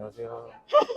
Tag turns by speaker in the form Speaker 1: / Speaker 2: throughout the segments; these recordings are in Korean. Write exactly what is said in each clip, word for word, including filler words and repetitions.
Speaker 1: 안녕하세요.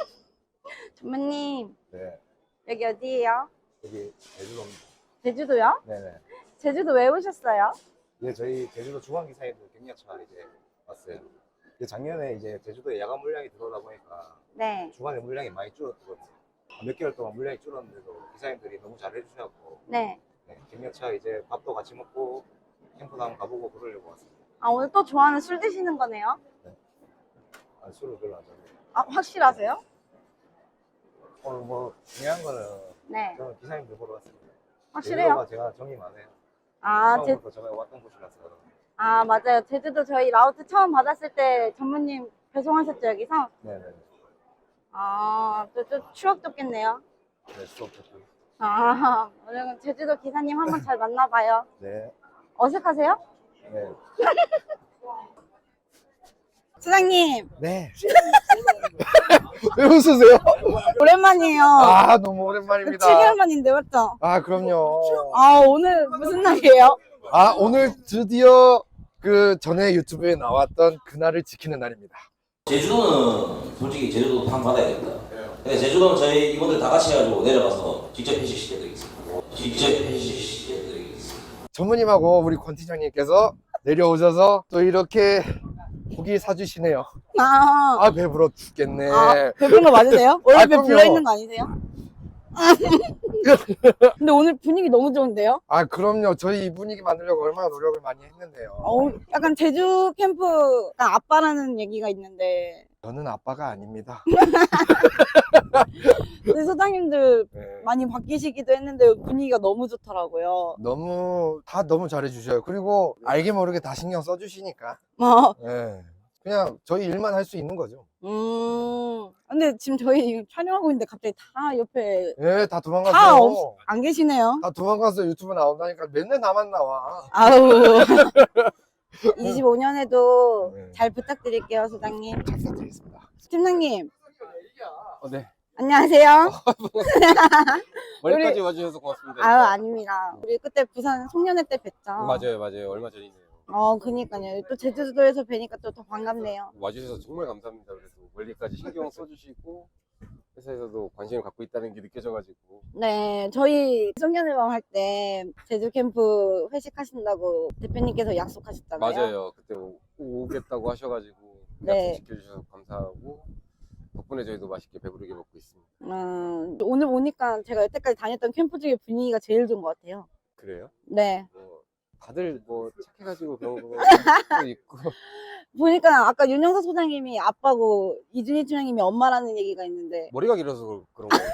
Speaker 2: 전무님,
Speaker 1: 네,
Speaker 2: 여기 어디예요?
Speaker 1: 여기 제주도입니다.
Speaker 2: 제주도요?
Speaker 1: 네네.
Speaker 2: 제주도 왜 오셨어요?
Speaker 1: 네, 저희 제주도 중앙기사님들 격려차 이제 왔어요. 근데 작년에 이제 제주도에 야간 물량이 들어오다 보니까
Speaker 2: 네.
Speaker 1: 주간에 물량이 많이 줄었거든요. 몇 개월 동안 물량이 줄었는데도 기사님들이 너무 잘 해주셔서
Speaker 2: 네.
Speaker 1: 네, 격려차 이제 밥도 같이 먹고 캠프도 한번 가보고 그러려고 왔습니다.
Speaker 2: 아, 오늘 또 좋아하는 술 드시는 거네요?
Speaker 1: 네. 아, 술을 별로 안 좋아해요.
Speaker 2: 아, 확실하세요?
Speaker 1: 오늘 뭐 중요한 거는
Speaker 2: 네.
Speaker 1: 저는 기사님들 보러 왔습니다.
Speaker 2: 확실해요?
Speaker 1: 제주도가 제가 정이 많아요.
Speaker 2: 아, 제,
Speaker 1: 처음부터 제가 왔던 곳이라서.
Speaker 2: 아, 맞아요. 제주도 저희 라우트 처음 받았을 때 전무님 배송하셨죠, 여기서?
Speaker 1: 네네.
Speaker 2: 아, 또, 또 추억 돋겠네요.
Speaker 1: 네, 수업 듣고.
Speaker 2: 아, 오늘은 제주도 기사님 한번 잘 만나봐요.
Speaker 1: 네.
Speaker 2: 어색하세요?
Speaker 1: 네.
Speaker 2: 사장님,
Speaker 3: 네. 왜 웃으세요?
Speaker 2: 오랜만이에요.
Speaker 3: 아, 너무 오랜만입니다.
Speaker 2: 칠 개월 만인데, 맞죠?
Speaker 3: 아, 그럼요.
Speaker 2: 아, 오늘 무슨 날이에요?
Speaker 3: 아, 오늘 드디어 그 전에 유튜브에 나왔던 그날을 지키는 날입니다.
Speaker 4: 제주도는 솔직히 제주도 판 받아야겠다. 근데 제주도는 저희 이분들 다 같이 해가지고 내려가서 직접 회식시켜드리겠습니다. 직접 회식시켜드리겠습니다.
Speaker 3: 전무님하고 우리 권 팀장님께서 내려오셔서 또 이렇게 고기 사주시네요.
Speaker 2: 아,
Speaker 3: 아, 배불러 죽겠네.
Speaker 2: 아, 배부른 거 맞으세요? 원래
Speaker 3: 아,
Speaker 2: 배
Speaker 3: 그럼요.
Speaker 2: 불러 있는 거 아니세요? 근데 오늘 분위기 너무 좋은데요?
Speaker 3: 아, 그럼요. 저희 이 분위기 만들려고 얼마나 노력을 많이 했는데요.
Speaker 2: 어, 약간 제주 캠프가 아빠라는 얘기가 있는데
Speaker 3: 저는 아빠가 아닙니다.
Speaker 2: 근데 소장님들
Speaker 3: 네.
Speaker 2: 많이 바뀌시기도 했는데 분위기가 너무 좋더라고요.
Speaker 3: 너무 다 너무 잘해주셔요. 그리고 알게 모르게 다 신경 써주시니까.
Speaker 2: 어,
Speaker 3: 네. 그냥 저희 일만 할 수 있는 거죠.
Speaker 2: 음, 근데 지금 저희 촬영하고 있는데 갑자기 다 옆에
Speaker 3: 예, 다
Speaker 2: 다
Speaker 3: 도망갔어요.
Speaker 2: 없, 안 계시네요.
Speaker 3: 다 도망갔어요. 유튜브 나온다니까 맨날 나만 나와.
Speaker 2: 아우. 이십오 년에도
Speaker 3: 네.
Speaker 2: 잘 부탁드릴게요, 소장님.
Speaker 3: 잘 부탁드리겠습니다.
Speaker 2: 팀장님,
Speaker 5: 어, 네.
Speaker 2: 안녕하세요.
Speaker 5: 머리까지
Speaker 2: 우리-
Speaker 5: 와주셔서 고맙습니다.
Speaker 2: 아유, 아닙니다. 우리 그때 부산 송년회 때 뵀죠.
Speaker 5: 맞아요, 맞아요. 얼마 전이네요.
Speaker 2: 어, 그니까요. 또 제주도에서 뵈니까 또 더 반갑네요.
Speaker 5: 와주셔서 정말 감사합니다. 그래도 멀리까지 신경 써주시고 회사에서도 관심을 갖고 있다는 게 느껴져가지고
Speaker 2: 네, 저희 송년회방 할 때 제주 캠프 회식하신다고 대표님께서 약속하셨잖아요.
Speaker 5: 맞아요. 그때 오- 오겠다고 하셔가지고
Speaker 2: 네.
Speaker 5: 약속 지켜주셔서 감사하고 덕분에 저희도 맛있게 배부르게 먹고 있습니다.
Speaker 2: 음, 오늘 오니까 제가 여태까지 다녔던 캠프 중에 분위기가 제일 좋은 것 같아요.
Speaker 5: 그래요?
Speaker 2: 네.
Speaker 5: 뭐 다들 뭐 착해가지고 그런 거 또 있고
Speaker 2: 보니까 아까 윤영석 소장님이 아빠고 이준희 팀장님이 엄마라는 얘기가 있는데
Speaker 5: 머리가 길어서 그- 그런 거예요.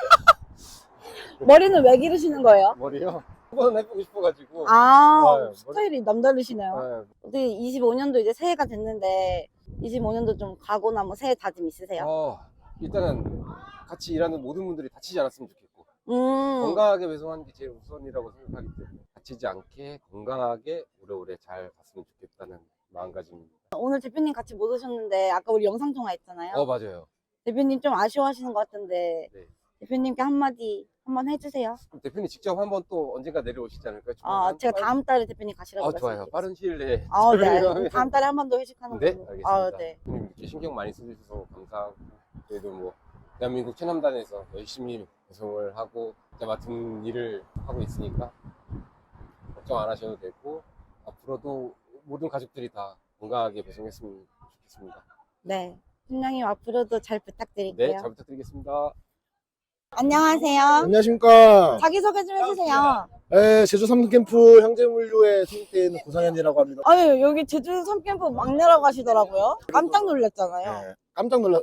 Speaker 2: 머리는 왜 기르시는 거예요?
Speaker 5: 머리요? 한번 해보고 싶어가지고.
Speaker 2: 아,
Speaker 5: 네,
Speaker 2: 스타일이 남다르시네요.
Speaker 5: 네.
Speaker 2: 근데 이십오 년도 이제 새해가 됐는데 이십오 년도 좀 가거나 뭐 새해 다짐 있으세요?
Speaker 5: 어, 일단은 같이 일하는 모든 분들이 다치지 않았으면 좋겠고
Speaker 2: 음,
Speaker 5: 건강하게 배송하는 게 제일 우선이라고 생각하기 때문에 다치지 않게 건강하게 오래오래 잘 갔으면 좋겠다는 마음가짐입니다.
Speaker 2: 오늘 대표님 같이 못 오셨는데 아까 우리 영상 통화했잖아요.
Speaker 5: 어, 맞아요.
Speaker 2: 대표님 좀 아쉬워하시는 것 같은데
Speaker 5: 네.
Speaker 2: 대표님께 한마디 한번 해주세요.
Speaker 5: 그럼 대표님 직접 한번 또 언젠가 내려오시지 않을까요?
Speaker 2: 아,
Speaker 5: 조만간?
Speaker 2: 제가 다음 달에 대표님 가시라고
Speaker 5: 아, 좋아요.
Speaker 2: 말씀드릴게요.
Speaker 5: 빠른 시일 내에
Speaker 2: 아, 네.
Speaker 5: 저희가
Speaker 2: 알겠습니다. 다음 달에 한 번 더 회식하는
Speaker 5: 네,
Speaker 2: 걸로.
Speaker 5: 알겠습니다.
Speaker 2: 아, 네.
Speaker 5: 대표님 이렇게 신경 많이 써주셔서 감사하고 저희도 뭐 대한민국 최남단에서 열심히 배송을 하고 이제 맡은 일을 하고 있으니까 걱정 안 하셔도 되고 앞으로도 모든 가족들이 다 건강하게 배송했으면 좋겠습니다.
Speaker 2: 네. 팀장님 앞으로도 잘 부탁드릴게요.
Speaker 5: 네, 잘 부탁드리겠습니다.
Speaker 2: 안녕하세요.
Speaker 6: 안녕하십니까.
Speaker 2: 자기소개 좀 해주세요.
Speaker 6: 네, 제주 삼성캠프 형제물류에 소속되어 있는 고상현이라고 합니다.
Speaker 2: 아유, 여기 제주 삼캠프 막내라고 하시더라고요. 깜짝 놀랐잖아요.
Speaker 6: 네, 깜짝 놀라.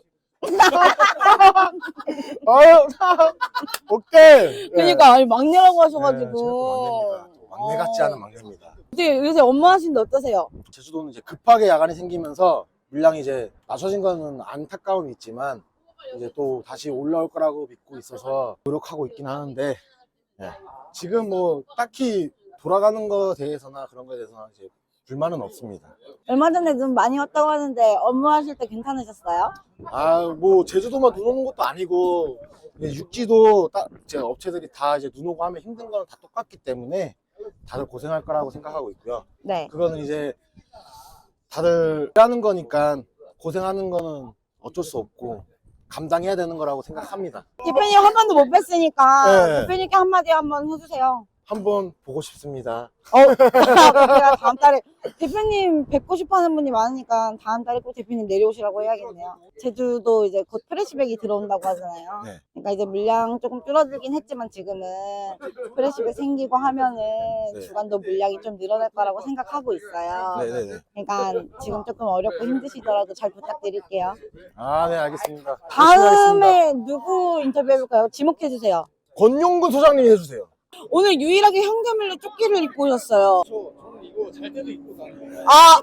Speaker 6: 아유, 오케이.
Speaker 2: 그러니까 아니 막내라고
Speaker 6: 네,
Speaker 2: 하셔가지고.
Speaker 6: 제가 또 막내입니다. 또 막내 같지 않은 막내입니다.
Speaker 2: 근데 요새 업무 하시는데 어떠세요?
Speaker 6: 제주도는 이제 급하게 야간이 생기면서 물량이 이제 낮춰진 거는 안타까움이 있지만 이제 또 다시 올라올 거라고 믿고 있어서 노력하고 있긴 하는데 네. 지금 뭐 딱히 돌아가는 거에 대해서나 그런 거에 대해서는 이제 불만은 없습니다.
Speaker 2: 얼마 전에 눈 많이 왔다고 하는데 업무 하실 때 괜찮으셨어요?
Speaker 6: 아, 뭐 제주도만 눈 오는 것도 아니고 육지도 딱 제 업체들이 다 이제 눈 오고 하면 힘든 거는 다 똑같기 때문에 다들 고생할 거라고 생각하고 있고요.
Speaker 2: 네.
Speaker 6: 그거는 이제 다들 하는 거니까 고생하는 거는 어쩔 수 없고 감당해야 되는 거라고 생각합니다.
Speaker 2: 대표님 한 번도 못 뵀으니까
Speaker 6: 네.
Speaker 2: 대표님께 한마디 한번 해주세요.
Speaker 6: 한번 보고 싶습니다.
Speaker 2: 어, 제가 다음 달에 대표님 뵙고 싶어 하는 분이 많으니까 다음 달에 꼭 대표님 내려오시라고 해야겠네요. 제주도 이제 곧 프레시백이 들어온다고 하잖아요.
Speaker 6: 네.
Speaker 2: 그러니까 이제 물량 조금 줄어들긴 했지만 지금은 프레시백 생기고 하면은
Speaker 6: 네.
Speaker 2: 주간도 물량이 좀 늘어날 거라고 생각하고 있어요.
Speaker 6: 네네네.
Speaker 2: 그러니까 지금 조금 어렵고 힘드시더라도 잘 부탁드릴게요.
Speaker 6: 아, 네, 알겠습니다. 열심히 하겠습니다.
Speaker 2: 다음에 누구 인터뷰해볼까요? 지목해주세요.
Speaker 6: 권용근 소장님이 해주세요.
Speaker 2: 오늘 유일하게 형제밀레 조끼를 입고 오셨어요.
Speaker 7: 저는 이거 잘 때도 입고 다니고
Speaker 2: 아!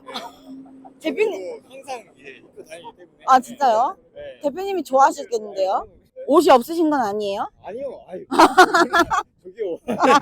Speaker 2: 대표님,
Speaker 7: 항상 예, 입고 다니기 때문에.
Speaker 2: 아 진짜요?
Speaker 7: 네.
Speaker 2: 대표님이 좋아하시겠는데요? 옷이 없으신 건 아니에요?
Speaker 7: 아니요, 아유. 저기요.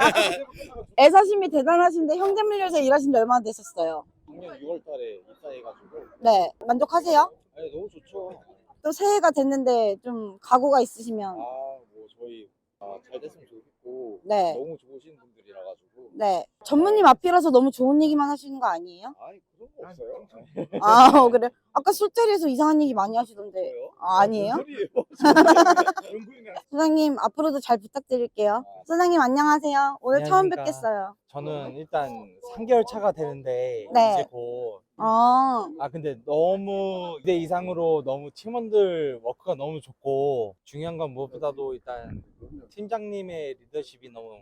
Speaker 2: 애사심이 대단하신데 형제밀레에서 일하신 지 얼마나 되셨어요?
Speaker 7: 작년 유월달에 입사해가지고.
Speaker 2: 네, 만족하세요?
Speaker 7: 아니 너무 좋죠.
Speaker 2: 또 새해가 됐는데 좀 각오가 있으시면
Speaker 7: 아, 뭐 저희 아, 잘 됐으면 좋겠고.
Speaker 2: 네.
Speaker 7: 너무 좋으신 분들이라 가지고.
Speaker 2: 네, 전무님 앞이라서 너무 좋은 얘기만 하시는 거 아니에요?
Speaker 7: 아니 그런 거 없어요.
Speaker 2: 아 그래? 아까 술자리에서 이상한 얘기 많이 하시던데
Speaker 7: 뭐요?
Speaker 2: 아, 아니에요?
Speaker 7: 뭔 소리예요? 연구인가?
Speaker 2: 소장님 앞으로도 잘 부탁드릴게요. 소장님 안녕하세요. 오늘 처음
Speaker 8: 안녕하십니까.
Speaker 2: 뵙겠어요.
Speaker 8: 저는 일단 삼 개월 차가 되는데
Speaker 2: 네.
Speaker 8: 이제 곧.
Speaker 2: 아,
Speaker 8: 아 근데 너무 기대 이상으로 너무 팀원들 워크가 너무 좋고 중요한 건 무엇보다도 일단 팀장님의 리더십이 너무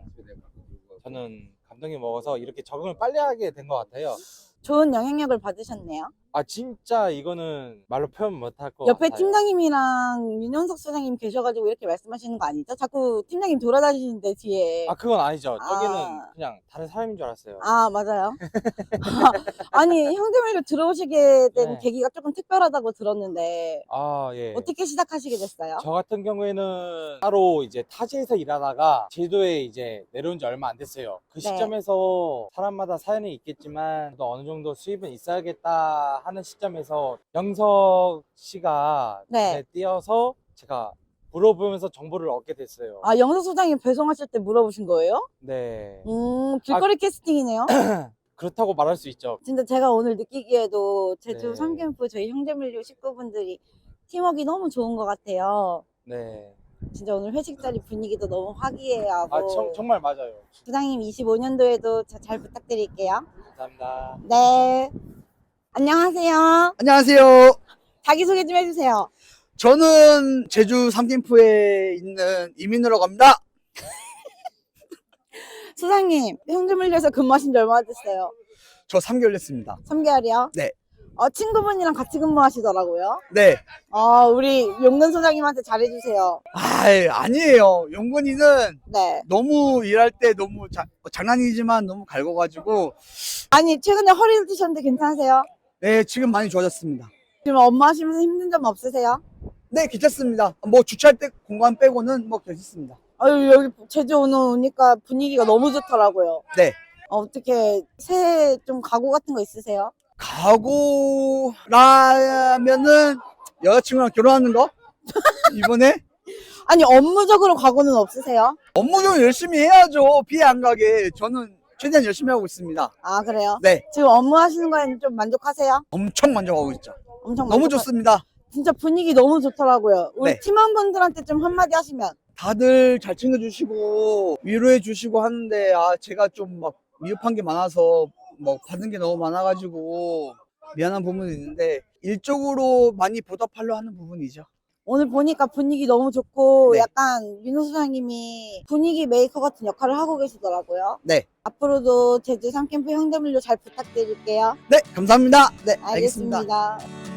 Speaker 8: 저는 감동이 먹어서 이렇게 적응을 빨리 하게 된 것 같아요.
Speaker 2: 좋은 영향력을 받으셨네요.
Speaker 8: 아 진짜 이거는 말로 표현 못할 것
Speaker 2: 옆에
Speaker 8: 같아요.
Speaker 2: 팀장님이랑 윤영석 소장님 계셔가지고 이렇게 말씀하시는 거 아니죠? 자꾸 팀장님 돌아다니시는데 뒤에.
Speaker 8: 아 그건 아니죠. 저기는
Speaker 2: 아.
Speaker 8: 그냥 다른 사람인 줄 알았어요.
Speaker 2: 아 맞아요. 아니 형제밀레 들어오시게 된
Speaker 8: 네.
Speaker 2: 계기가 조금 특별하다고 들었는데
Speaker 8: 아 예.
Speaker 2: 어떻게 시작하시게 됐어요?
Speaker 8: 저 같은 경우에는 따로 이제 타지에서 일하다가 제주도에 이제 내려온 지 얼마 안 됐어요. 그
Speaker 2: 네.
Speaker 8: 시점에서 사람마다 사연이 있겠지만 또 어느 정도 수입은 있어야겠다 하는 시점에서 영석 씨가
Speaker 2: 네.
Speaker 8: 눈에 띄어서 제가 물어보면서 정보를 얻게 됐어요.
Speaker 2: 아 영석 소장님 배송하실 때 물어보신 거예요?
Speaker 8: 네.
Speaker 2: 음 길거리 캐스팅이네요.
Speaker 8: 그렇다고 말할 수 있죠.
Speaker 2: 진짜 제가 오늘 느끼기에도 제주
Speaker 8: 네.
Speaker 2: 삼 캠프 저희 형제밀레 식구분들이 팀워크가 너무 좋은 것 같아요.
Speaker 8: 네.
Speaker 2: 진짜 오늘 회식 자리 분위기도 너무 화기애애하고.
Speaker 8: 아 정, 정말 맞아요.
Speaker 2: 부장님 이십오 년도에도 잘 부탁드릴게요.
Speaker 8: 감사합니다.
Speaker 2: 네. 안녕하세요.
Speaker 9: 안녕하세요.
Speaker 2: 자기소개 좀 해주세요.
Speaker 9: 저는 제주 삼캠프에 있는 이민우라고 합니다.
Speaker 2: 소장님, 형제밀레에서 근무하신 지 얼마나 됐어요?
Speaker 9: 저 삼 개월 됐습니다.
Speaker 2: 삼 개월이요?
Speaker 9: 네.
Speaker 2: 어, 친구분이랑 같이 근무하시더라고요.
Speaker 9: 네.
Speaker 2: 어, 우리 용근 소장님한테 잘해주세요.
Speaker 9: 아, 아니에요. 용건이는
Speaker 2: 네.
Speaker 9: 너무 일할 때 너무 자, 장난이지만 너무 갈궈가지고
Speaker 2: 아니, 최근에 허리를 찌셨는데 괜찮으세요?
Speaker 9: 네, 지금 많이 좋아졌습니다.
Speaker 2: 지금 업무 하시면서 힘든 점 없으세요?
Speaker 9: 네, 괜찮습니다. 뭐 주차할 때 공간 빼고는 뭐 괜찮습니다.
Speaker 2: 아유, 여기 제주 오늘 오니까 분위기가 너무 좋더라고요.
Speaker 9: 네.
Speaker 2: 어, 어떻게 새해 좀 각오 같은 거 있으세요?
Speaker 9: 각오라면은 여자친구랑 결혼하는 거? 이번에?
Speaker 2: 아니, 업무적으로 각오는 없으세요?
Speaker 9: 업무 좀 열심히 해야죠. 피해 안 가게. 저는 최대한 열심히 하고 있습니다.
Speaker 2: 아, 그래요?
Speaker 9: 네.
Speaker 2: 지금 업무 하시는 거에는 좀 만족하세요?
Speaker 9: 엄청 만족하고 있죠.
Speaker 2: 엄청
Speaker 9: 너무
Speaker 2: 만족하-
Speaker 9: 좋습니다.
Speaker 2: 진짜 분위기 너무 좋더라고요. 우리
Speaker 9: 네.
Speaker 2: 팀원분들한테 좀 한마디 하시면.
Speaker 9: 다들 잘 챙겨주시고 위로해 주시고 하는데 아 제가 좀 막 미흡한 게 많아서 뭐 받은 게 너무 많아가지고 미안한 부분이 있는데 일적으로 많이 보답하려 하는 부분이죠.
Speaker 2: 오늘 보니까 분위기 너무 좋고
Speaker 9: 네.
Speaker 2: 약간 민호 소장님이 분위기 메이커 같은 역할을 하고 계시더라고요.
Speaker 9: 네.
Speaker 2: 앞으로도 제주 삼 캠프 형제밀레 잘 부탁드릴게요.
Speaker 9: 네, 감사합니다. 네, 알겠습니다.
Speaker 2: 알겠습니다.